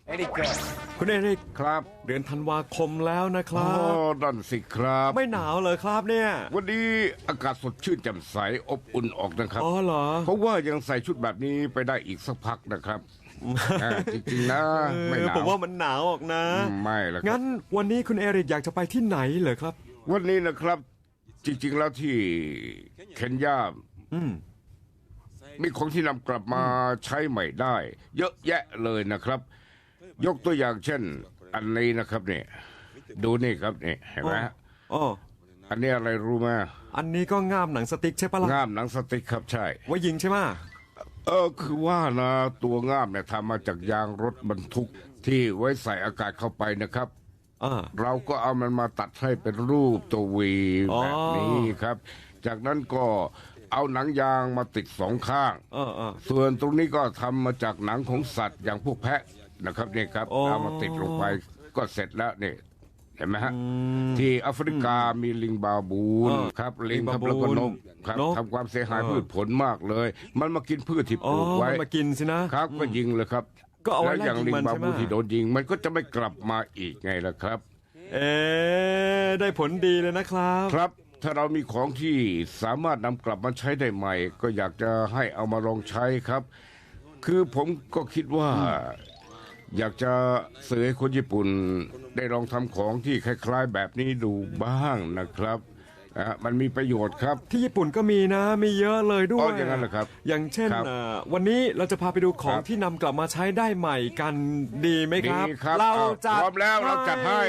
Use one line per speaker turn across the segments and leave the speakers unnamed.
คุณเอริก
ครับ
เดือนธันวาคมแล้วนะค
อ๋อ
รับ
นั่นสิครับ
ไม่หนาวเลยครับเนี่ย
วันนี้อากาศสดชื่นแจ่มใสอบอุ่นออกนะครับ
อ๋อเหรอ
เพราะว่ายังใส่ชุดแบบนี้ไปได้อีกสักพักนะครับจริงๆนะไม่หนาว
ผมว่ามันหนาวออกนะ
ไม่ละครับ
งั้นวันนี้คุณเอริกอยากจะไปที่ไหนเหรอครับ
วันนี้นะครับ จริงๆแล้วที่เคนยามีของที่นำกลับมาใช้ใหม่ได้ เยอะแยะเลยนะครับ ยกตัวอย่างเช่น อันนี้นะครับเนี่ยดูนี่ครับนี่เห็นไหมฮะ
อ๋อ
อันนี้อะไรรู้ไหม
อันนี้ก็ง่ามหนังสติ๊กใช่ปะล่ะ
ง่ามหนังสติ๊กครับใช่
ไว้ยิงใช่ไหมะ
คือว่านะตัวง่ามเนี่ยทำมาจากยางรถบรรทุกที่ไว้ใส่อากาศเข้าไปนะครับ
อ่า
เราก็เอามันมาตัดให้เป็นรูปตัววี
อ๋อ
แบบนี้ครับ จากนั้นก็เอาหนังยางมาติดสองข้าง
เออ
ส่วนตรงนี้ก็ทำมาจากหนังของสัตว์อย่างพวกแพะนะครับนี่ครับ
อ๋อ
เอามาติดลงไปก็เสร็จแล้วนี่เห็นไหมฮะที่แอฟริกามีลิงบาบูนครับลิงครับแล้วก็นกครับทำความเสียหายพืชผลมากเลย มันมากินพืชที่ป
อ๋อ
ลูกไว้
มันมากินสินะครับ
ก็ยิงเลยครับ
ก็เอาไว้
แล้วอย่าง
ไล่ยิง
ลิง
มัน
บา
ใช่ไหม
บูที่โดนยิง มันก็จะไม่กลับมาอีกไงล่ะครับ
เอ๊ะได้ผลดีเลยนะครับ
ครับถ้าเรามีของที่สามารถนำกลับมาใช้ได้ใหม่ ก็อยากจะให้เอามาลองใช้ครับ คือผมก็คิดว่า อยากจะเสนอให้คนญี่ปุ่น ได้ลองทำของที่คล้ายๆแบบนี้ดูบ้างนะครับมันมีประโยชน์ครับ
ที่ญี่ปุ่นก็มีนะ มีเยอะเลยด้ว
อ๋
ย
ออย่างนั้นเหรอครับ
อย่างเช่น
ครับ
วันนี้เราจะพาไปดูของ
ครับ
ที่นำกลับมาใช้ได้ใหม่กันดีไหมครับ
ดีครับ
เรา
อ้าว
จัด
พร้อมแล้วเราจัดให้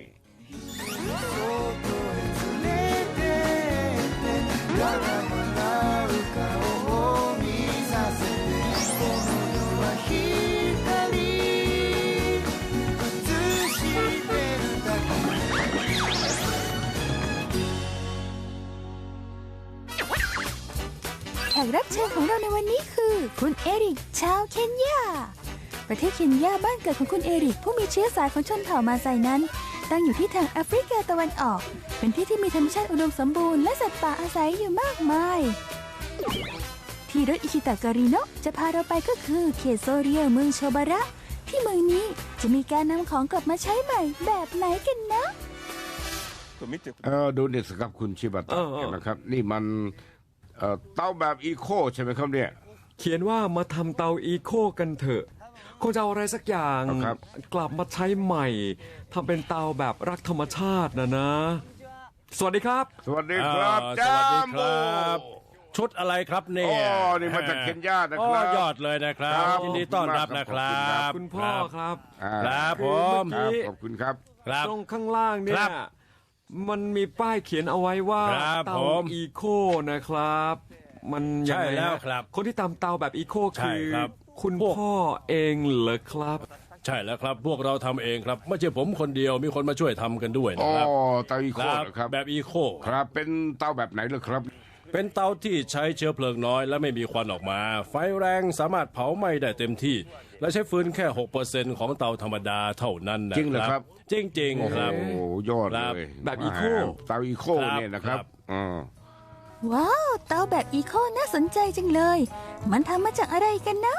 แขกรับเชิญของเราในวันนี้คือ คุณเอริกชาวเคนยา ประเทศเคนยาบ้านเกิดของคุณเอริกผู้มีเชื้อสายของชนเผ่ามาไซนั้น ตั้งอยู่ที่ทางแอฟริกาตะวันออก เป็นที่ที่มีธรรมชาติอุดมสมบูรณ์และสัตว์ป่าอาศัยอยู่มากมาย ที่รถอิชิตะการิโนะจะพาเราไปก็คือเขตโซเรียเมืองโชบาระ ที่เมืองนี้จะมีการนำของกลับมาใช้ใหม่แบบไหนกันนะ
ดูนี่สิครับคุณชิบะตะ
เออ
นะครับ นี่มันเตาแบบอีโคใช่ไหมครับเนี่ย
เขียนว่ามาทำเตาอีโคกันเถอะคงจะเอาอะไรสักอย่าง
ครับ
กลับมาใช้ใหม่ทำเป็นเตาแบบรักธรรมชาตินะ สวัสดีครับ
สวัสดีครับ
ส
จ้า
วัสดี
ม
ค
โบ
รับ ชุดอะไรครับเนี่
อ๋
ย
อนี่มาจากเคนยานะครับ
ยอดเลยนะครับ
ครับ
ยินดีต้อนรับนะครั
ขอบคุณครับ บ
คุณพ่อครับ
ครับผม
ครับขอบคุณครับ
ครับ
ตรงข้างล่างเนี่
ครั
ย
บ
มันมีป้ายเขียนเอาไว้ว่า
ครับ
เตา
ผม
อีโคนะครับ มันยัง
ใช่
ไง
แล้ว
ฮะ
ครับ
คนที่ทำเตาแบบอีโค
ใช่
คือ
ครับ
คุณ
พวก
พ่อเองเหรอครับ
ใช่แล้วครับ พวกเราทำเองครับ ไม่ใช่ผมคนเดียวมีคนมาช่วยทำกันด้วย
อ๋
นะ
อ
ครับ
เตาอีโคเหรอครับ
แบบอีโค
ครับ เป็นเตาแบบไหนเหรอครับ
เป็นเตาที่ใช้เชื้อเพลิงน้อยและไม่มีควันออกมา ไฟแรงสามารถเผาไหม้ได้เต็มที่ และใช้ฟืนแค่ 6% ของเตาธรรมดาเท่านั้นนะ
จริงเหรอครับ
จริง
โอ้
ๆ
โห
ครับ
ยอด
ครับ
เลย
แบบอีโค
เตาอีโค
ครับ
เนี่ยนะครับ
ครับ
อ๋อ
ว้าวเตาแบบอีโคน่าสนใจจังเลย มันทำมาจากอะไรกันนะ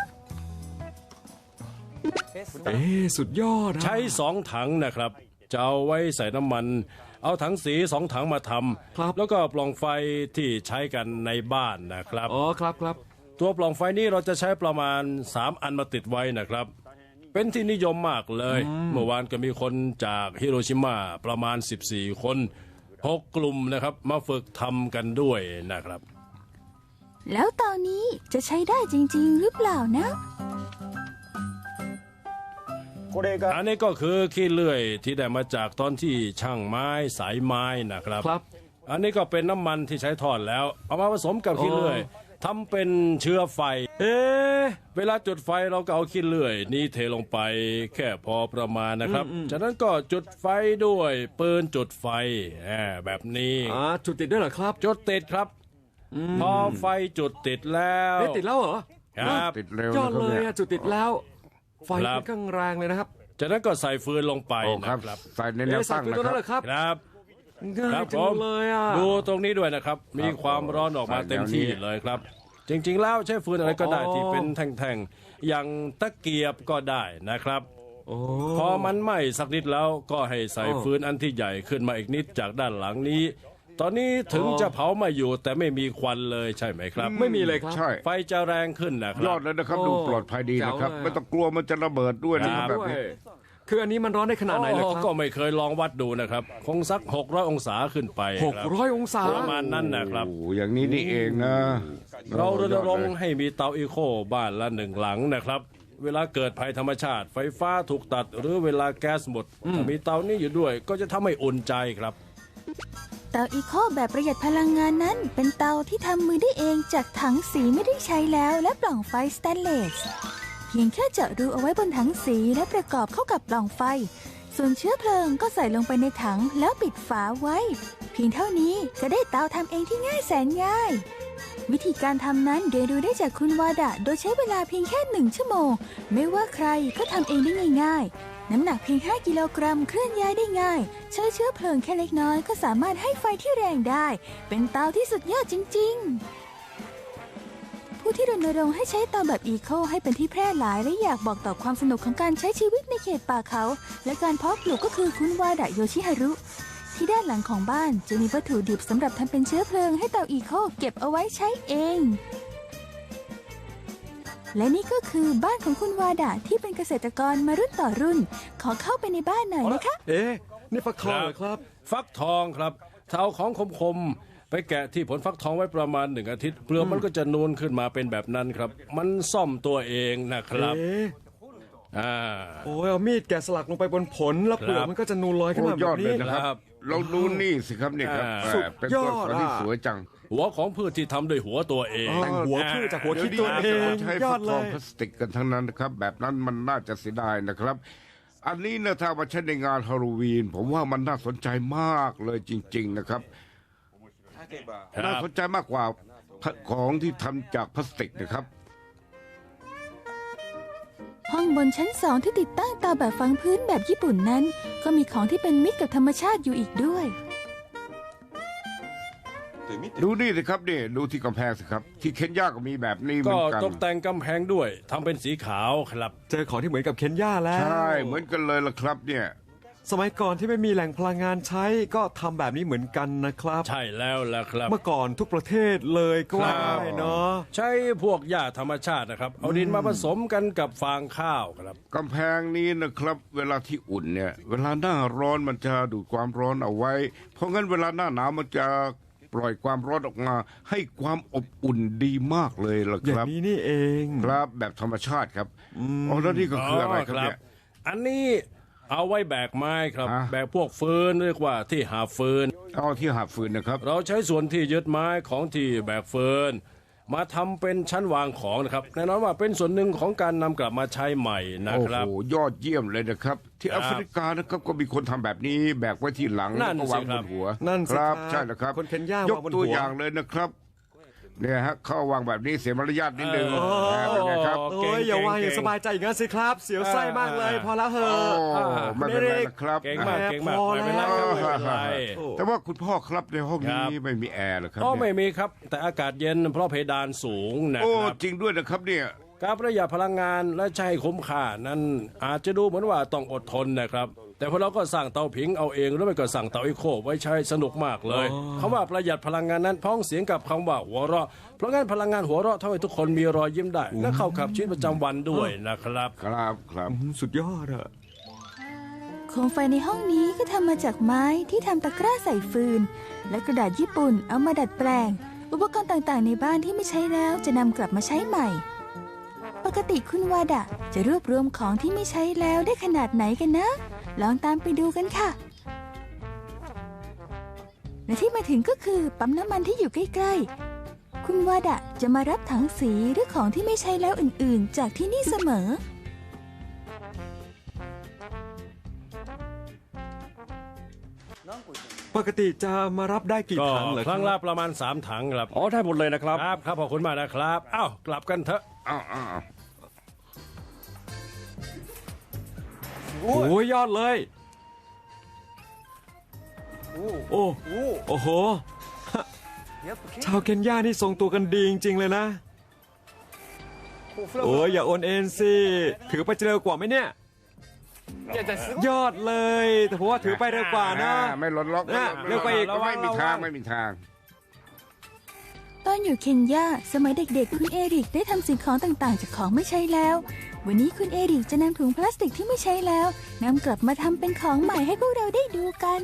เอ๊ะสุดยอดนะ
ใช้2 ถังนะครับ จะเอาไว้ใส่น้ำมัน เอาถังสี2 ถังมาท
ครับ
ำแล้วก็ปล่องไฟที่ใช้กันในบ้านนะครับ
อ๋อครับครับ
ตัวปล่องไฟนี้เราจะใช้ประมาณ3 อันมาติดไว้นะครับ เป็นที่นิยมมากเลย เมื่อวานก็มีคนจากฮิโรชิมาประมาณ14 คน6 กลุ่มนะครับมาฝึกทำกันด้วยนะครับ
แล้วตอนนี้จะใช้ได้จริงๆ หรือเปล่านะ
อันนี้ก็คือขี้เลื่อยที่ได้มาจากตอนที่ช่างไม้สายไม้นะครับ
ครับ
อันนี้ก็เป็นน้ำมันที่ใช้ทอดแล้ว เอามาผสมกับขี้เลื่อยทำเป็นเชื้อไฟ
เอ๊ะ
เวลาจุดไฟเราก็เอาขี้เลื่อยนี้เทลงไปแค่พอประมาณนะครับ จากนั้นก็จุดไฟด้วยปืนจุดไฟแบบนี้
จุดติดด้วยเหรอครับ
จุดติดครับ พอไฟจุดติดแล้ว
เอ๊ะติดแล้วเหรอ
ครับ
ติดเร็วย
อด
นะครับ
เลย
เนี่ย
อะจุดติดแล้ว ไฟ
ครับ
ค่อนข้างแรงเลยนะครับ
จากนั้นก็ใส่ฟืนลงไป
โอ้ค
นะ
รับ
ครับ
ใส่ในแนว
เอ๊ะใส่
ตั้ง
ตัว
นะ
นั้นเหรอ
ค
ครับ รับ
ครับ
ง่า
ครั
ย
บ
จั
ผ
ง
ม
เลยอ่ะ
ดูตรงนี้ด้วยนะครับ มีความร้อนออกมาเต็มที่เลยครับ จริงๆแล้วใช้ฟืนอะไรก็ได้ที่เป็นแท่งๆ อย่างตะเกียบก็ได้นะครับ
โอ้
พอมันไหม้สักนิดแล้วก็ให้ใส่ฟืนอันที่ใหญ่ขึ้นมาอีกนิดจากด้านหลังนี้ ตอนนี้ถึงจะเผาไม่อยู่แต่ไม่มีควันเลยใช่ไหมครับ
ไม่มีเลยครับ
ใช่
ไฟจะแรงขึ้นนะค
ย
รั
อบ ดเลยนะครับ ดูปลอดภัยดีนะครับ
แจ๋วเลย
ไม่ต้องกลัวมันจะระเบิดด้วยนะ
ดี
ครับแบบ
ด้วย
นี้
คืออันนี้มันร้อนได้ขนาดไหนเลยค
โอ้
รับ
ก็ไม่เคยลองวัดดูนะครับ คงสัก600องศาขึ้นไปครับ
600 องศา
ประมาณนั้นนะครับ
โอ้อย่างนี้นี่เองนะ
เรารณรงค์
ยอดเลย
ให้มีเตาอีโคบ้านละ1 หลังนะครับ เวลาเกิดภัยธรรมชาติ ไฟฟ้าถูกตัด หรือเวลาแก๊สหมดถ้ามีเตานี้อยู่ด้วยก็จะทำให้อุ่นใจครับ
เตาอีโคแบบประหยัดพลังงานนั้น เป็นเตาที่ทำมือได้เองจากถังสีไม่ได้ใช้แล้วและปล่องไฟสแตนเลสเพียงแค่เจาะรูเอาไว้บนถังสีและประกอบเข้ากับปล่องไฟ ส่วนเชื้อเพลิงก็ใส่ลงไปในถังแล้วปิดฝาไว้ เพียงเท่านี้ก็ได้เตาทำเองที่ง่ายแสนง่าย วิธีการทำนั้นเรียนรู้ได้จากคุณวาดะโดยใช้เวลาเพียงแค่1 ชั่วโมง ไม่ว่าใครก็ทำเองได้ง่ายๆ น้ำหนักเพียง 5 กิโลกรัมเคลื่อนย้ายได้ง่าย ใช้เชื้อเพลิงแค่เล็กน้อยก็สามารถให้ไฟที่แรงได้ เป็นเตาที่สุดยอดจริงๆ ผู้ที่รณรงค์ให้ใช้เตาแบบอีโคให้เป็นที่แพร่หลายและอยากบอกต่อความสนุกของการใช้ชีวิตในเขตป่าเขา และการเพาะปลูกก็คือคุณวาดะโยชิฮารุ ที่ด้านหลังของบ้านจะมีวัตถุดิบสำหรับทำเป็นเชื้อเพลิงให้เตาอีโคเก็บเอาไว้ใช้เอง และนี่ก็คือบ้านของคุณวาดะที่เป็นเกษตรกรมารุ่นต่อรุ่น ขอเข้าไปในบ้านหน่อยนะคะ
เอ๊ะนี่ฟักทองเหรอครับ
ฟักทองครับถ้าเอาของคมๆไปแกะที่ผลฟักทองไว้ประมาณ1 อาทิตย์เปลือกมันก็จะนูนขึ้นมาเป็นแบบนั้นครับ มันซ่อมตัวเองนะครับ
เอ๊ะ
อ่า
โอ้ยเอามีดแกะสลักลงไปบนผลแล้วเปลือก
ครับ
มันก็จะนูนลอยขึ้น
โอ้
มาแบ
ยอบ ดเล
นี้
ยนะครับ
ครับ
เราดูนี่สิครับนี่ครับ
สุด
เป็น
ย
ต้
อน ด
ไม้ที่
อ่ะ
สวยจัง
หัวของพืชที่ทำด้วยหัวตัวเอง
แต่งหัวพืชจากหัวคิดตัวเอ
ดี๋ยว
ง
นี้ใช้
ยอ
ฟั
ด
ก
เล
ทอง
ย
พลาสติกกันทั้งนั้นนะครับ แบบนั้นมันน่าจะเสียดายนะครับ อันนี้นะถ้ามาใช้ในงานฮาโลวีน ผมว่ามันน่าสนใจมากเลยจริง ๆนะครับ
ครับ
น่าสนใจมากกว่าของที่ทำจากพลาสติกนะครับ
ห้องบนชั้น2ที่ติดตั้งเตาแบบฝังพื้นแบบญี่ปุ่นนั้น ก็มีของที่เป็นมิตรกับธรรมชาติอยู่อีกด้วย
ดูนี่สิครับนี่ดูที่กำแพงสิครับ ที่เคนยาก็มีแบบนี้เหมื
ก็
อนกัน
ตกแต่งกำแพงด้วยทำเป็นสีขาวครับ
เจอของที่เหมือนกับเคนยาแล้ว
ใช่เหมือนกันเลยล่ะครับเนี่ย
สมัยก่อนที่ไม่มีแหล่งพลังงานใช้ก็ทำแบบนี้เหมือนกันนะครับ
ใช่แล้วล่ะครับ
เมื่อก่อนทุกประเทศเลยก็ว่าได้เนาะ
ใช้พวกหญ้าธรรมชาตินะครับ เอาดินมาผสมกันกับฟางข้าวครับ
กำแพงนี้นะครับ เวลาที่อุ่นเนี่ย เวลาหน้าร้อนมันจะดูดความร้อนเอาไว้ เพราะงั้นเวลาหน้าหนาวมันจะปล่อยความร้อนออกมา ให้ความอบอุ่นดีมากเลยล่ะ
อ
ค
ย่าง
รับ
นี้นี่เอง
ครับแบบธรรมชาติครับอ๋อแล้วนี่ก็คืออะไรครับเนี่ย
อันนี้เอาไว้แบกไม้ครับ
ฮะ
แบกพวกฟืนเรียกว่าที่หาฟืน
เอาที่หาฟืนนะครับ
เราใช้ส่วนที่ยึดไม้ของที่แบกฟืนมาทำเป็นชั้นวางของนะครับแน่นอนว่าเป็นส่วนหนึ่งของการนำกลับมาใช้ใหม่นะ
โอ้
ครับ
โหยอดเยี่ยมเลยนะครับ ที่
ครั
แอบ ฟริกานะครับก็มีคนทำแบบนี้แบกไว้ที่หลัง
นั่
แล้ว
น
ก็วาง
สิ
บ
ครับ
นหัว
นั่นสิ
ครับ
ครับ
ใช่แล้วครับ
คนเคนยาย
ก
วางบน
ตัว
หัว
อย่างเลยนะครับเนี่ยฮะเข้าวางแบบนี้เสียมารยาทนิดนึงเป็นไงครับ
โอ้ยอย่าวางอย่างสบายใจอย่างนั้นสิครับ เสียวไส้มากเลย พอแล้วเห
โอ้
อะ
ไม่เป็นไรนะครับ
เก่งมากเก่งมาก
พอ
ไม่เป็นไรครับไม่เป็นไร
แต่ว่าคุณพ่อครับในห้อง
ครั
นี้
บ
ไม่มีแอร์เหรอครับ
อ๋อไม่
เนี่ย
มีครับ แต่อากาศเย็นเพราะเพดานสูงนะ
โอ้
ครับ
จริงด้วยนะครับเนี่ย
การประหยัดพลังงานและใช้คุ้มค่านั้นอาจจะดูเหมือนว่าต้องอดทนนะครับ แต่พวกเราก็สั่งเตาผิงเอาเองหรือไม่ก็สั่งเตาอีโคไว้ใช้สนุกมากเลยคำว่าประหยัดพลังงานนั้นพ้องเสียงกับคำว่าหัวเราะเพราะงั้นพลังงานหัวเราะทำให้ทุกคนมีรอยยิ้มได้ และเข้ากับชีวิตประจำวันด้วยนะครับ
ครับครับ
สุดยอดอะ
โคมไฟในห้องนี้ก็ทำมาจากไม้ที่ทำตะกร้าใส่ฟืน และกระดาษญี่ปุ่นเอามาดัดแปลง อุปกรณ์ต่างๆในบ้านที่ไม่ใช้แล้วจะนำกลับมาใช้ใหม่ ปกติคุณวาดะจะรวบรวมของที่ไม่ใช้แล้วได้ขนาดไหนกันนะ ลองตามไปดูกันค่ะ และที่มาถึงก็คือปั๊มน้ำมันที่อยู่ใกล้ๆ คุณวาดะจะมารับถังสีหรือของที่ไม่ใช้แล้วอื่นๆ จากที่นี่เสมอ
ปกติจะมารับได้กี่
ก็
ถังเหรอ
ครั้ง
ค
ละ
รับ
ประมาณ3 ถังครับ
อ๋อได้หมดเลยนะครับ
ครับครับขอบคุณมากนะครับอ้าวกลับกันเถอะ
อ้าว
โอ้ยยอดเลย โอ้โอ้โห ชาวเคนยานี่ทรงตัวกันดีจริงๆเลยนะ โอ้ยอย่าโอนเอ็นสิ ถือไปจะเร็วกว่าไหมเนี่ยยอดเลยแต่ผมว่าถือไปเร็วกว่านะ
ไม่หล่นล็อก
นะเร็วไปอีก
ไม่มีทางไม่มีทาง
ตอนอยู่เคนยาสมัยเด็กๆ คุณเอริกได้ทำสิ่งของต่างๆ จากของไม่ใช้แล้ว วันนี้คุณเอริกจะนำถุงพลาสติกที่ไม่ใช้แล้วนำกลับมาทำเป็นของใหม่ให้พวกเราได้ดูกัน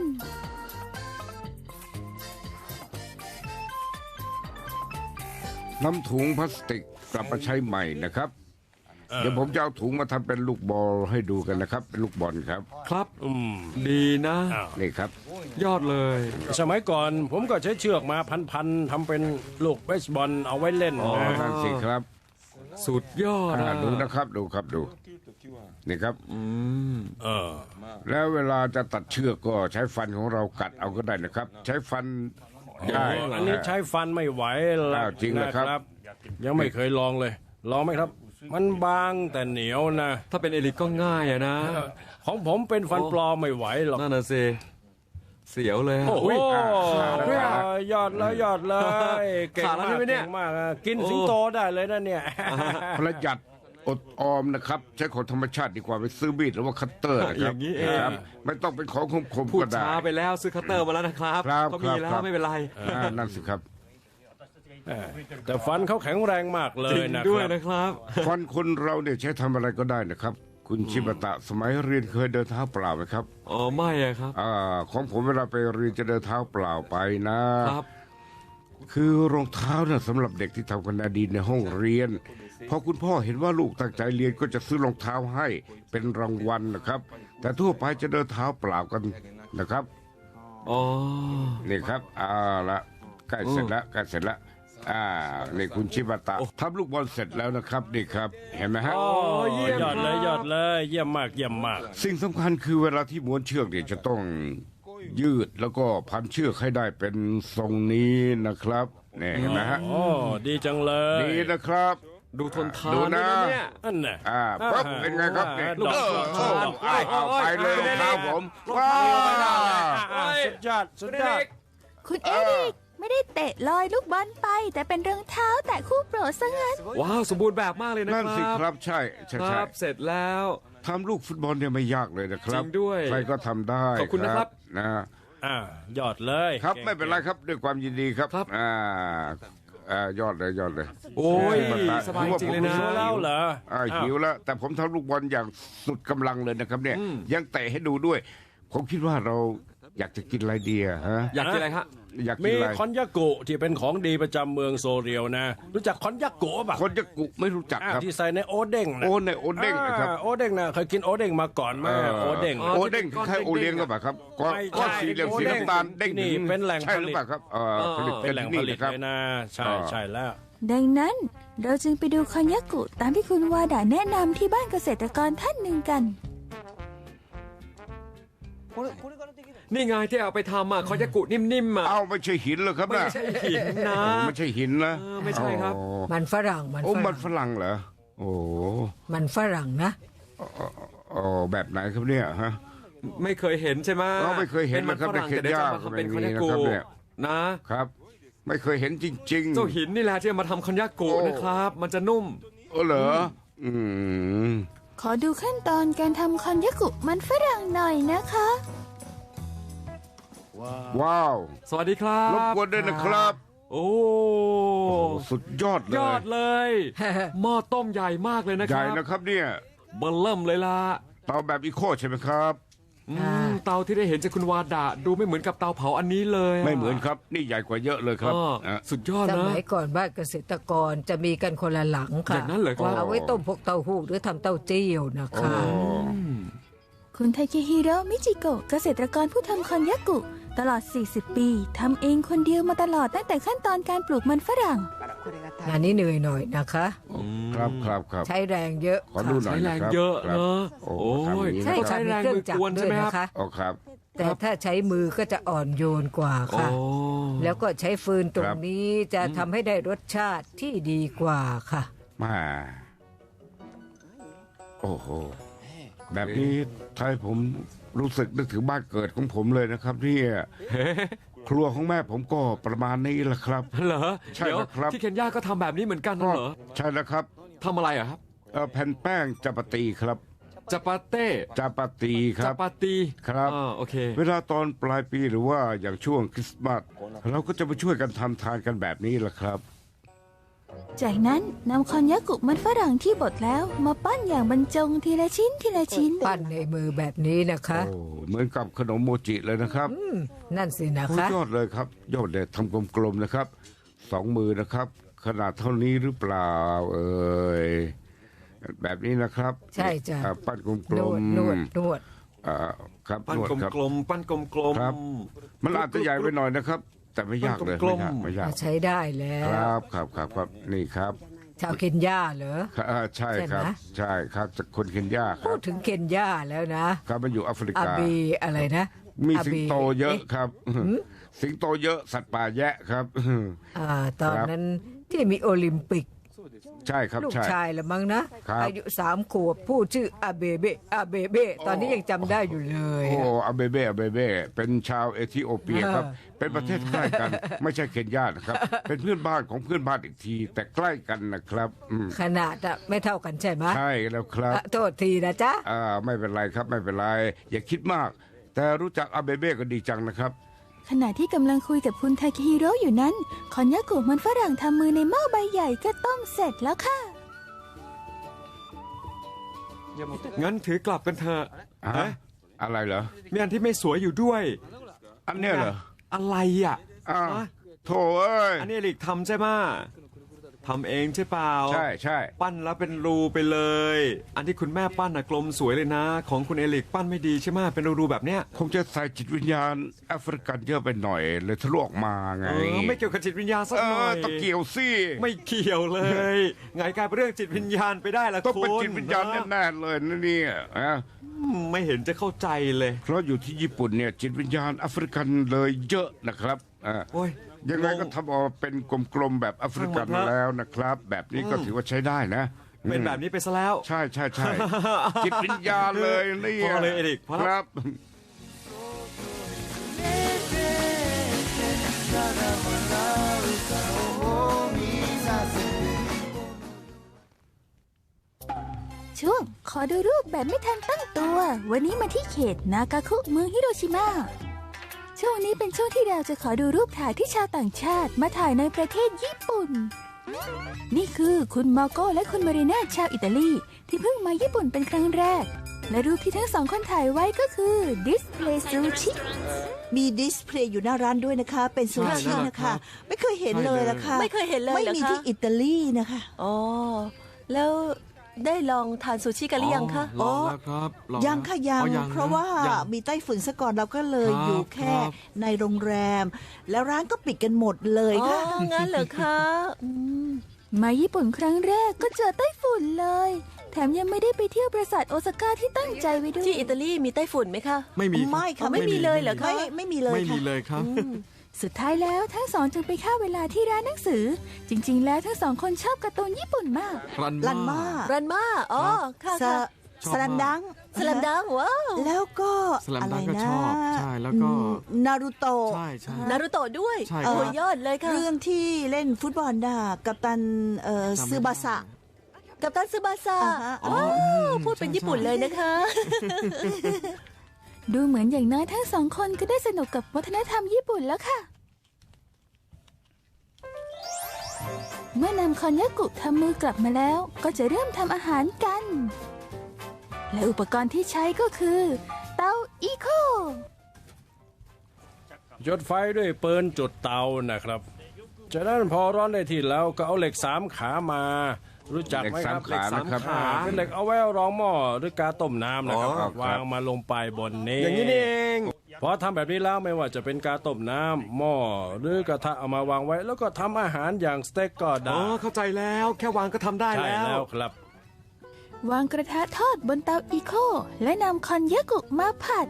นำถุงพลาสติกกลับมาใช้ใหม่นะครับ เดี๋ยวผมจะเอาถุงมาทำเป็นลูกบอลให้ดูกันนะครับเป็นลูกบอลครับ
ครับ
อืม
ดีนะ
อ้าว
นี่ครับ
ยอดเลย
สมัยก่อนผมก็ใช้เชือกมาพันๆทำเป็นลูกเบสบอลเอาไว้เล่น
อ๋อ
นะ
นั่นสิครับ
สุดยอดนะ
ดูนะครับดูครับดูนี่ครับ
เออ
แล้วเวลาจะตัดเชือกก็ใช้ฟันของเรากัดเอาก็ได้นะครับ ใช้ฟันได้
อันนี้ใช้ฟันไม่ไหวแล้
อ้าว วจริงเหรอครับ
ยังไม่เคยลองเลย ลองไหมครับ มันบางแต่เหนียวนะ
ถ้าเป็นเอลิกก็ง่ายอะนะ
ของผมเป็นฟันปลอมไม่ไหวหรอก
นั่นน่ะสิเสียวเลยอะ
โอ้โห
ด้วยอะ
ยอดเลยยอดเลยเก่ง
ขาดแล้ว
มาก
ใช่ไหมเนี่ย
เก่งมากอะกินสิงโตได้เลยนะเนี่ย
ประหยัดอดออมนะครับ ใช้ของธรรมชาติดีกว่าไปซื้อมีดหรือว่าคัตเตอร์นะค
อ
รับ
ย่างนี้เอง
ครับไม่ต้องเป็นของคม
พู
ๆ
ด
ก็ได้
ช้าไปแล้วซื้อคัตเตอร์มาแล้วนะครับ
ครับ
ก็มีแล้
ครั
ว
บ
ไม่เป็นไร
นั่นสิครับ
แต่ฟันเขาแข็งแรงมากเล
จริ
ย
ง
นะ
ด้วย
ครับ
นะครับ
ฟันคนเราเนี่ยใช้ทำอะไรก็ได้นะครับ คุณชิบะตะสมัยเรียนเคยเดินเท้าเปล่าไหมครับ
อ๋อไม่อะครับ
ของผมเวลาไปเรียนจะเดินเท้าเปล่าไปนะ
ครับ
คือรองเท้าน่ะสำหรับเด็กที่ทำคะแนนดีในห้องเรียนพอคุณพ่อเห็นว่าลูกตั้งใจเรียนก็จะซื้อรองเท้าให้เป็นรางวัลนะครับ แต่ทั่วไปจะเดินเท้าเปล่ากันนะครับ
อ๋อ
นี่ครับละใกล้เสร็จแล้วใกล้เสร็จแล้วนี่คุณชิบะตะทำลูกบอลเสร็จแล้วนะครับนี่ครับ เห็นไหมฮะ
โอ้ยอดเลยยอดเลยเยี่ยมมากเยี่ยมมาก
สิ่งสำคัญคือเวลาที่ม้วนเชือกเนี่ยจะต้องยืดแล้วก็พันเชือกให้ได้เป็นทรงนี้นะครับนี่เห็นไหมฮะ
โอ้ดีจังเลย
ดีนะครับ
ดูทนทา
ดู
นด้ว
นะ
ยนะเนี่ย
นั่นน่ะ
ปั๊บเป็นไงครับเนี่ย
ดอก
เอาไปเลยรองเท้าผมว้า
สุดยอดสุดยอด
คุณเอริกไม่ได้เตะลอยลูกบอลไป แต่เป็นรองเท้าแตะคู่โปรดซะงั้น
ว้าวสมบูรณ์แบบมากเลยนะค
นั่
รั
น
บ
สิครับใช่
ครับเสร็จแล้ว
ทำลูกฟุตบอลเนี่ยไม่ยากเลยนะครับ
จริงด้วย
ใครก็ทำได้
ขอบคุณนะครับ
นะ
ยอดเลย
ครับไม่เป็นไรครับด้วยความยินดีครับ
ครับ
ยอดเลยยอดเลย
โอ้ย
มาต
สบายจริงเลยนะ
หิวแล้วเหรอ
หิวแล้ว แต่ผมทำลูกบอลอย่างสุดกำลังเลยนะครับเนี่ยยังเตะให้ดูด้วย ผมคิดว่าเราอยากจะกินอะไรดีอะฮะ
อยากกินอะไรฮะ
อยากกิ
มี
นอะไร
คอนยากุที่เป็นของดีประจำเมืองโซเรียวนะ รู้จักคอนยากุป่ะ
คนจะกุไม่รู้จักครับ
ที่ใส่ในโอเด้งนะ
โอในโอเด้งนะครับ
โอเด้งนะเคยกินโอเด้งมาก่อนไหมโอเด้ง
โอเด้งคล้ายๆโอเลี้ยงก็ปล่าครับก็
ไม่ใช่
ก็สีเหลืองสีน้ำตาลเด้ง
นี่เป็นแหล่ง
ใช่
ผ
หรื
ลิ
อ
ต
เปล่าครับผลิต
เป็นแหล่งผลิต
ครับ
เลยนะใช่
อ๋อ
ใช่แล้ว
ดังนั้นเราจึงไปดูคอนยากุตามที่คุณวาดาแนะนำที่บ้านเกษตรกรท่านหนึ่งกัน
นี่ไงที่เอาไปทำอ่ะคอยากุนิ่มๆอ่ะ
เอาไม่ใช่หินเหรอครับ
ไม่
นะ
ใช่หินนะ
ไม่ใช่หินนะ
ไม่ใช่ครับ
มันฝรั่งมัน
โอ้
ฝ
มั
รั่
น
ง
ฝรั่งเหรอโอ้
มันฝรั่งนะ
แบบไหนครับเนี่ยฮะ
ไม่เคยเห็นใช่ไหม
เราไม่เคยเห็น
ป็มั
นะครับ
ฝรั่ง
ในเขต
แต่เดี๋ยวจะ
ย่า
มาทำเป็น
ไม่
คอน
มี
ยา
นะ
กุ
ครับเนี่ย
นะ
ครับ ไม่เคยเห็นจริงๆ
เจ้าหินนี่แหละที่เอามาทำคอนยากุ
โอ้
นะครับ มันจะนุ่ม
เหรอม
ขอดูขั้นตอนการทำคอนยากุมันฝรั่งหน่อยนะคะ
ว้าว
สวัสดีครั
รบบ กวนด้วยนะครับ
โอ้
สุดยอดเลย
ยอดเลย หม้อต้มใหญ่มากเลยนะ
ให
ค
ญ่
รับ
นะครับเนี่ย
เบิ่มเริ่มเลยล่ะ
เตาแบบอีโคใช่ไหมครับ
เตาที่ได้เห็นจากคุณวาดาดูไม่เหมือนกับเตาเผาอันนี้เลยะ
ไม่เหมือนครับ นี่ใหญ่กว่าเยอะเลยครับ
อ้อ
อ่ะ
สุดยอด
ส
นะ
มัยก่อนบ้านเกษตรกรจะมีกันคนละหลังค่ะ
อย่างนั้นเหรอครับ
เอาไว้ต้มพวกเต้าหู้หรือทำเต้าเจี้ยวนะคะ
คุณไทเคฮิโร่มิจิโกะเกษตรกรผู้ทำคอนยากุตลอด 40 ปีทำเองคนเดียวมาตลอดตั้งแต่ขั้นตอนการปลูกมันฝรั่ง
งานนี้เหนื่อยหน่อยนะคะ
ครับครับครับ
ใช้แรงเยอะ
ขอดูหน่อย
ใช้แรง
นะครับ
เยอะ
ครับ
เนอะ
โอ้
โอ้ย
ทำอย่างนี้
ใช่
นะค
ค่ะ
รับ
มีเครื่องจักรด้วยนะคะ
อ๋อครับ
แต่ถ้าใช้มือก็จะอ่อนโยนกว่าค่ะ
โอ้
แล้วก็ใช้ฟืนตร
ครั
ง
บ
นี้จะทำให้ได้รสชาติที่ดีกว่าค่ะ
มาโอ้โห แบบนี้ทำให้ผมรู้สึกนึกถึงบ้านเกิดของผมเลยนะครับเนี่ยครัวของแม่ผมก็ประมาณนี้แหละครับ
เหรอ
ใช่
เดี๋ยว
ครับ
ที่เคนยาก็ทำแบบนี้เหมือนกันน่ะเหรอ
ใช่แล้วครับ
ทำอะไรอะครับ
แผ่นแป้งจัปาตีครับ
จาปาเต้
จาปาตีค
จา
รับ
ปาตี
ครับ
โอเค
เวลาตอนปลายปีหรือว่าอย่างช่วงคริสต์มาสเราก็จะมาช่วยกันทำทานกันแบบนี้แหละครับ
จากนั้นนำคอนยากุมันฝรั่งที่บดแล้วมาปั้นอย่างบรรจงทีละชิ้นทีละชิ้น
ปั้นในมือแบบนี้นะคะ
โอ้เหมือนกับขนมโมจิเลยนะครับ
นั่นสินะ
โอ้
คะ
ยอดเลยครับ ยอดเลยทำกลมๆนะครับ2 มือนะครับ ขนาดเท่านี้หรือเปล่าแบบนี้นะครับ
ใช่จ้ะ
ปั้นกล
นว
ม
ดนวด
ๆ
นวด
ครับ
ปั้น
นวด
ก
ครับ
ลมๆปั้นกลม
ครับ มันอาจจะใหญ่ไปหน่อยนะครับ แต่ไม่ยากเลย
กล
ไม่
มๆ
ยากไม่ยาก
ใช้ได้แล้
คว รับครับนี่ครับ
ชาวเคนยาเหรอ
ใช่ครับ
ใช่ไหม
ใช่ครับจากคนเคนยาค
พู
รั
ด
บ
ถึงเคนยาแล้วนะครับ
มันอยู่แอฟริ
อาก
า
บีอะไรนะ
มี
อา
สิง
บี
โตเยอะครับ สิงโตเยอะสัตว์ป่าแยะครับ
ตอนนั้นที่มีโอลิมปิก
ใช่ครับ
ลูก
ใช่
ชายละมั้งนะครับ อายุ3 ขวบพูดชื่ออาเบเบอาเบเบตอนนี้ยังจำได้อยู่เลย
โอ้อาเบเบ้เป็นชาวเอธิโอเปียครับ เป็นประเทศใกล้กัน ไม่ใช่เคนยานะครับ เป็นเพื่อนบ้านของเพื่อนบ้านอีกที แต่ใกล้กันนะครับ
ขนาดไม่เท่ากันใช่ไหม
ใช่แล้วครับ
โทษทีนะจ๊ะ
ไม่เป็นไรครับไม่เป็นไร อย่าคิดมาก แต่รู้จักอาเบเบ้ก็ดีจังนะครับ
ขณะที่กำลังคุยกับคุณทาเคฮิโร่อยู่นั้น คอนยากุมันฝรั่งทำมือในหม้อใบใหญ่ก็ต้มเสร็จแล้วค่ะ
งั้นถือกลับกันเถอะ
ฮะ อะไรเหรอ
มีอันที่ไม่สวยอยู่ด้วย
อันเนี้ยเหรอ
อะไรอ่ะ
อ้าว
ฮะ
โถเอ้ย
อันนี้เอลิกทำใช่ไหมทำเองใช่เปล่า
ใช่ใช่
ปั้นแล้วเป็นรูไปเลย อันที่คุณแม่ปั้นน่ะกลมสวยเลยนะ ของคุณเอลิกปั้นไม่ดีใช่ไหมเป็นรูๆแบบเนี้ย
คงจะใส่จิตวิญญาณแอฟริกันเยอะไปหน่อยเลยทะลุออกมาไง
ไม่เกี่ยวกับจิตวิญญาณสักหน่อย
ต้องเกี่ยวสิ
ไม่เกี่ยวเลยไงกลายเป็นเรื่องจิตวิญญาณไปได้ล่ะ
ต้องเป็น
คุณ
จิตวิญญาณแน่ๆเลยนะเนี่ยนะ
ไม่เห็นจะเข้าใจเลย
เพราะอยู่ที่ญี่ปุ่นเนี่ยจิตวิญญาณแอฟริกันเลยเยอะนะครับ
โอ้ย
ยังไงก็ทำออกมาเป็นกลมๆแบบแอฟริกัน
ช่างมันเถอะ
แล้วนะครับ แบบนี้ก็ถือว่าใช้ได้นะ
เป็นแบบนี้ไปซะแล้ว
ใช่ใช่ใช่ จิตวิญญาณเลยนี่
พอเลยเอริกพอแล้ว
ครับ
ช่วงขอดูรูปแบบไม่ทันตั้งตัว วันนี้มาที่เขตนากาคุเมืองฮิโรชิมาช่วงนี้เป็นช่วงที่เราจะขอดูรูปถ่ายที่ชาวต่างชาติมาถ่ายในประเทศญี่ปุ่น นี่คือคุณมาโก้และคุณมารีน่าชาวอิตาลีที่เพิ่งมาญี่ปุ่นเป็นครั้งแรก และรูปที่ทั้งสองคนถ่ายไว้ก็คือดิสเพลย์ซูชิ
มีดิสเพลย์อยู่หน้าร้านด้วยนะคะ เป็นซูชิ
ใช่
นะคะ
ครับ
ไม่เคยเห็นเลยนะคะ
ไม่เคยเห็นเลย
ไม่
เหรอ
มี
คะ
ที่อิตาลีนะคะ
อ๋อ แล้วได้ลองทานซูชิกันหรือยังคะ
ลองแล้วครับลอ
ยังค่ะยัง
อ๋อนะ
เพราะว่า
ยัง
มีไต้ฝุ่นซะก่อนเราก็เลย
ครับ
อยู่แค่
ครับ
ในโรงแรม แล้วร้านก็ปิดกันหมดเลย
อ๋อ
ค่ะ
งั้นเหรอคะอืม
มาญี่ปุ่นครั้งแรกก็เจอไต้ฝุ่นเลย แถมยังไม่ได้ไปเที่ยวปราสาทโอซาก้าที่ตั้งใจไว้ด้วย
ที่อิตาลีมีไต้ฝุ่นไหมคะ
ไม่มี
ไม่ค่ะ
ไม่มีเลยเหรอคะ
ไม่มีเลย
ไม่มี
ค่ะ
เลยครับ
สุดท้ายแล้วทั้งสองจึงไปฆ่าเวลาที่ร้านหนังสือ จริงๆ แล้วทั้งสองคนชอบการ์ตูนญี่ปุ่นมาก
ลันมา
รันมาอ๋อ ค่ะ
ส
ค่ะ
สลันดัง
สลัมดังว้าว
แล้วก็
สลัม
อะไร
ดังก็
นะ
ชอบใช่แล้วก็
นารูโตะ
ใช่ใช่
นารุโตะด้วย
ใช่ครับ
โอ้ยยอดเลยค่ะ
เรื่องที่เล่นฟุตบอลน่ะกัปตัน
จำไม่ได้
ซึบาสะ
กับตันซึบาซา
อ่าฮะ
ว้าวพูดเป็น
ใช่
ญี่ปุ่นเลยนะคะ
ดูเหมือนอย่างน้อยทั้งสองคนก็ได้สนุกกับวัฒนธรรมญี่ปุ่นแล้วค่ะ เมื่อนำคอนยากุทำมือกลับมาแล้ว ก็จะเริ่มทำอาหารกัน และอุปกรณ์ที่ใช้ก็คือ เตาอีโค
จุดไฟด้วยปืนจุดเตานะครับ จากนั้นพอร้อนได้ที่แล้วก็เอาเหล็ก3 ขามา รู้จักไหมครับ
เหล็กสามขานะครับ
เป็นเหล็กเอาไว้รองหม้อหรือกาต้มน้ำนะครับ
อ๋อครับ
วางมาลงไปบนนี้
อย่างนี้นี่เอง
พอทำแบบนี้แล้วไม่ว่าจะเป็นกาต้มน้ำหม้อหรือกระทะเอามาวางไว้ แล้วก็ทำอาหารอย่างสเต็กก็
อ๋
ได้
อเข้าใจแล้วแค่วางก็ทำได้
ใช่
แล้ว
แล้วครับ
วางกระทะทอดบนเตาอีโค และนำคอนยากุมาผัด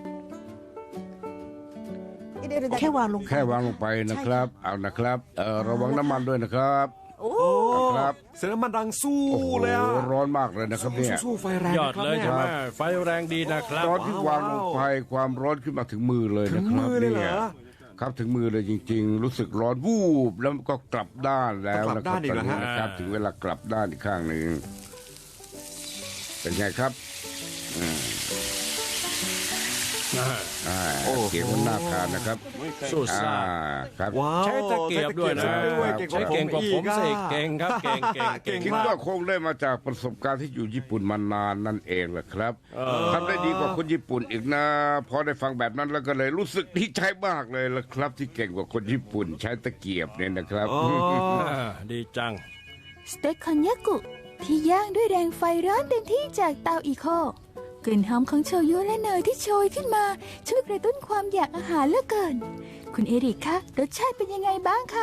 แค่วางลง
แค่วางลงไปนะครับ เอานะครับระวังน้ำมันด้วยนะครับ
โอ้
ครับ
เสียงน้ำมันดังสู้
โอ้โห
เลยอ่ะ
ร้อนมากเลยนะครับเนี่ย
สู้ไฟแรง
ยอด
นะครับ
เลย
นี่
ใช่ไหมไฟแรงดีนะครับ
ร้อนที่วางลงไปความร้อนขึ้นมาถึงมือเลย
ถึ
นะ
ง
ครับ
มือเลยเหร
เนี่ย
อ
ครับถึงมือเลยจริง ๆ รู้สึกร้อนวูบแล้วก็กลับด้านแล้ว
กลั
นะ
บ
ครั
ด้านอีกเหรอฮะ
นะครับถึงเวลากลับด้านอีกข้างหนึ่งเป็นไงครับเกียบมันน่าทานนะครับ
สู้ซ่า
ครับ
ว้าว
ใช้ตะเกียบด้วยนะ
ใช้ตะเกียบด้วยเก่งกว่า
ใช้เก่งกว่า
ผม
ผ
อี
ม
กอะ
สิเก่งครับเก่ง
คิดว่าคงได้มาจากประสบการณ์ที่อยู่ญี่ปุ่นมานานนั่นเองแหละครับทำได้ดีกว่าคนญี่ปุ่นอีกนะพอได้ฟังแบบนั้นแล้วก็เลยรู้สึกดีใจมากเลยละครับ ที่เก่งกว่าคนญี่ปุ่นใช้ตะเกียบเนี่ยนะครับ
ดีจัง
สเต็กคอนยากุที่ย่างด้วยแรงไฟร้อนเต็มที่จากเตาอีโคกลิ่นหอมของโชยุและเนยที่โชยขึ้นมาช่วยกระตุ้นความอยากอาหารเหลือเกิน คุณเอริกคะรสชาติเป็นยังไงบ้างคะ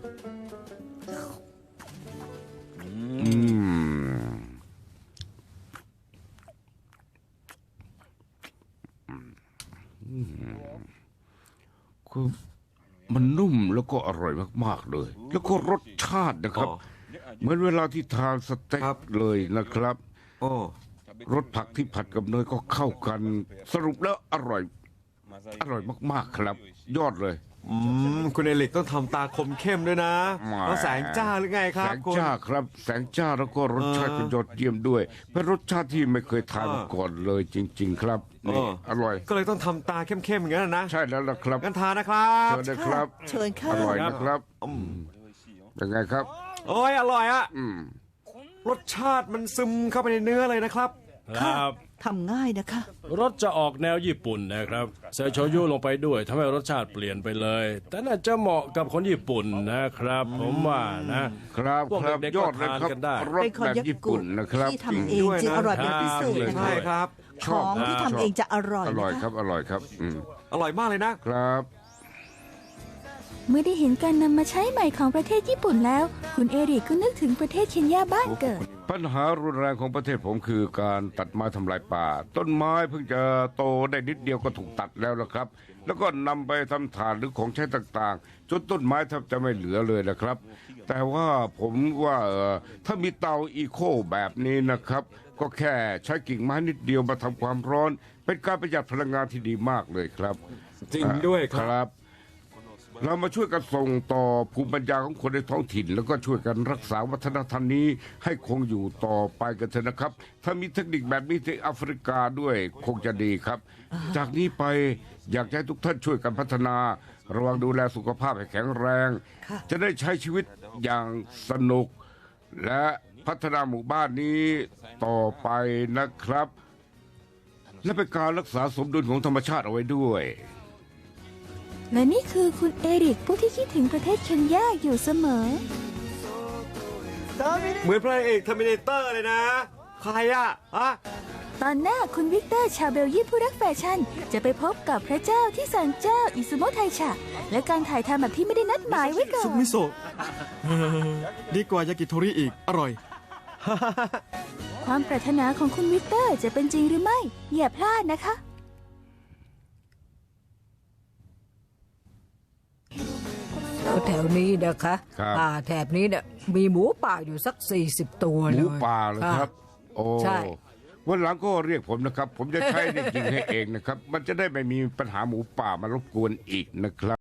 คือมันนุ่มแล้วก็อร่อยมากๆเลย แล้วก็รสชาตินะครับ เหมือนเวลาที่ทานสเต็ก
ครับ เลย
นะครับ
โอ้
รสผักที่ผัดกับเนยก็เข้ากัน สรุปแล้วอร่อยมากๆครับ ยอดเลย
คุณเอริกต้องทำตาคมเข้มด้วยนะ
แหม
แล้วแสงจ้าหรือไงค
แส
รับ
ง
คุณ
จ้าครับ แสงจ้าแล้วก็รสชาติเป็นยอดเยี่ยมด้วย เป็นรสชาติที่ไม่เคยทานมาก่อนเลยจริง ๆ ครับนี่อร่อย
ก็เลยต้องทำตาเข้มๆอย่างนั้นนะ
ใช่แล้วล่ะครับ
งั้นทานนะครับ
เชิญนะครับ
เชิญค่ะ
อร่อยนะครับยังไงครับ
โอ้ยอร่อยอะ
อืม
รสชาติมันซึมเข้าไปในเนื้อเลยนะครับ
ครับ
ทำง่ายนะคะ
รสจะออกแนวญี่ปุ่นนะครับใส่โชยุลงไปด้วยทำให้รสชาติเปลี่ยนไปเลย แต่น่าจะเหมาะกับคนญี่ปุ่นนะครับ ผมว่านะ
ครับ
พวก
ครับ
เด็กๆ
ยอดเลยครับ
ก็ทานกันได้
รส
เป็นคอน
แบบ
ยา
ญี่
กุ
ปุ่นนะครับ
ที่ทำเองจึงอร่อยเป็นพิเศษ
จริง
นะ
ใช่
คะ
ครับ
ของที่ทำเองจะอร่อย
อร่อย
นะ
ครั
คะ
บอร่อยครับ
อร่อยมากเลยนะ
ครับ
เมื่อได้เห็นการนำมาใช้ใหม่ของประเทศญี่ปุ่นแล้ว คุณเอริกก็นึกถึงประเทศเคนยาบ้านเกิด
ปัญหารุนแรงของประเทศผมคือการตัดไม้ทำลายป่า ต้นไม้เพิ่งจะโตได้นิดเดียวก็ถูกตัดแล้วละครับ แล้วก็นำไปทำถ่านหรือของใช้ต่างๆ จนต้นไม้แทบจะไม่เหลือเลยนะครับ แต่ว่าผมว่าถ้ามีเตาอีโคแบบนี้นะครับ ก็แค่ใช้กิ่งไม้นิดเดียวมาทำความร้อน เป็นการประหยัดพลังงานที่ดีมากเลยครับ
จริงด้วยครับ
เรามาช่วยกันส่งต่อภูมิปัญญาของคนในท้องถิ่น แล้วก็ช่วยกันรักษาวัฒนธรรมนี้ให้คงอยู่ต่อไปกันเถอะนะครับ ถ้ามีเทคนิคแบบนี้ที่แอฟริกาด้วยคงจะดีครับ จากนี้ไปอยากให้ทุกท่านช่วยกันพัฒนา ระวังดูแลสุขภาพให้แข็งแรง จะได้ใช้ชีวิตอย่างสนุก และพัฒนาหมู่บ้านนี้ต่อไปนะครับ และเป็นการรักษาสมดุลของธรรมชาติเอาไว้ด้วย
และนี่คือคุณเอริกผู้ที่คิดถึงประเทศเคนยาอยู่เสมอ
เหมือนพระเอกเทอร์มินเตอร์เลยนะ ใครอะอะ
ตอนหน้าคุณวิกเตอร์ชาวเบลเยียมผู้รักแฟชั่น จะไปพบกับพระเจ้าที่ศาลเจ้าอิซุโมไทชะและการถ่ายทำแบบที่ไม่ได้นัดหมายไว้ก่อ
ซุป
น
มิโซะดีกว่ายากิโทริอีก อร่อย
ความปรารถนาของคุณวิกเตอร์จะเป็นจริงหรือไม่ อย่าพลาดนะคะ
แถวนี้นะคะ
ครับ
ป่าแถบนี้เนี่ยมีหมูป่าอยู่สัก 40 ตัว
ห
เลย
มูป่าเลยครับ โอ้
ใช่
วันหลังก็เรียกผมนะครับ ผมจะใช้ได้จริงให้เองนะครับ มันจะได้ไม่มีปัญหาหมูป่ามารบกวนอีกนะครับ